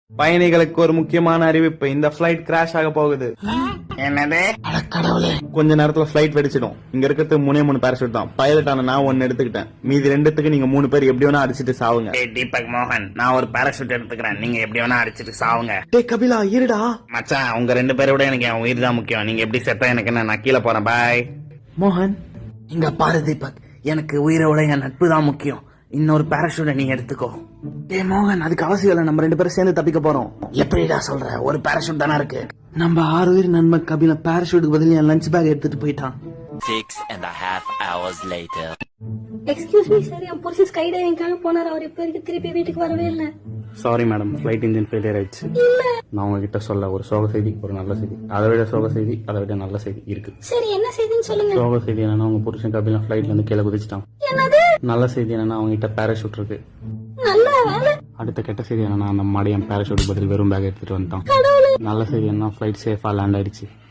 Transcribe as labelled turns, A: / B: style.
A: பயணிகளுக்கு ஒரு முக்கியமான அறிவிப்பு, இந்த பிளைட் கிராஷ் ஆக போகுது.
B: என்னது?
C: கடவுளே.
A: கொஞ்ச நேரத்துல பிளைட் வெடிச்சிடும். இங்க இருக்கிறது 3 பேராசூட் தான். பைலட் ஆன நான் 1 எடுத்துக்கிட்டேன். மீதி 2த்துக்கு நீங்க 3 பேர் எப்படி வேணா அடிச்சிட்டு சாவுங்க.
B: தீபக் மோகன், நான் ஒரு பாராசூட் எடுத்துக்கிறேன். நீங்க எப்படி வேணா அடிச்சிட்டு சாவுங்க.
A: டேய் கபிலா இருடா.
B: மச்சான், உங்க 2 பேரை விட எனக்கு என் உயிர் தான் முக்கியம். நீங்க எப்படி செத்தா எனக்கு என்ன, நான் கீழே போறேன். பாய்.
A: மோகன்
B: இங்க பாரு தீபக், எனக்கு உயிரை விட என் நட்பு தான் முக்கியம். இன்னொரு பாராசூட்டை நீ எடுத்துக்கோ.
A: டேய் மோகன், அதுக்கு அவசியம் இல்லை. நம்ம 2 பேரும் சேர்ந்து தப்பிக்க போறோம்.
B: எப்படிடா சொல்ற? ஒரு பாராசூட் தானே இருக்கு.
A: நம்ம 6 பேர் நண்பன் கபிலா பாராசூட்டுக்கு பதில் என் லஞ்ச் பேக் எடுத்துட்டு போயிட்டான்.
D: 6.5 hours later.
E: Excuse me sir, என் புருஷன் ஸ்கை டைவிங்காக போனார். அவர் இப்ப வரைக்கும் திருப்பி வீட்டுக்கு வரவே இல்லை.
A: Sorry madam, flight engine failure ஆயிடுச்சு. நான் உங்ககிட்ட சொல்ல ஒரு சோக செய்தி, ஒரு நல்ல செய்தி, அதை விட சோக செய்தி, அதை விட நல்ல செய்தி இருக்கு.
E: சரி, என்ன செய்தின்னு சொல்லுங்க.
A: சோக செய்தி என்னன்னா, உங்க புருஷன் கபிலா ஃபிளைட்ல இருந்து கீழே குதிச்சிட்டான்.
E: என்னது?
A: நல்ல செய்தி என்னன்னா, அவங்க கிட்ட பாராசூட் இருக்கு.
E: நல்ல வேலை.
A: அடுத்த கெட்ட செய்தி என்னன்னா, அந்த மாடியன் பாராசூட் பதில் வெறும் பேக் எடுத்துட்டு வந்துட்டான். நல்ல செய்தி என்ன, ஃபிளைட் சேஃபா லேண்ட் ஆயிடுச்சு.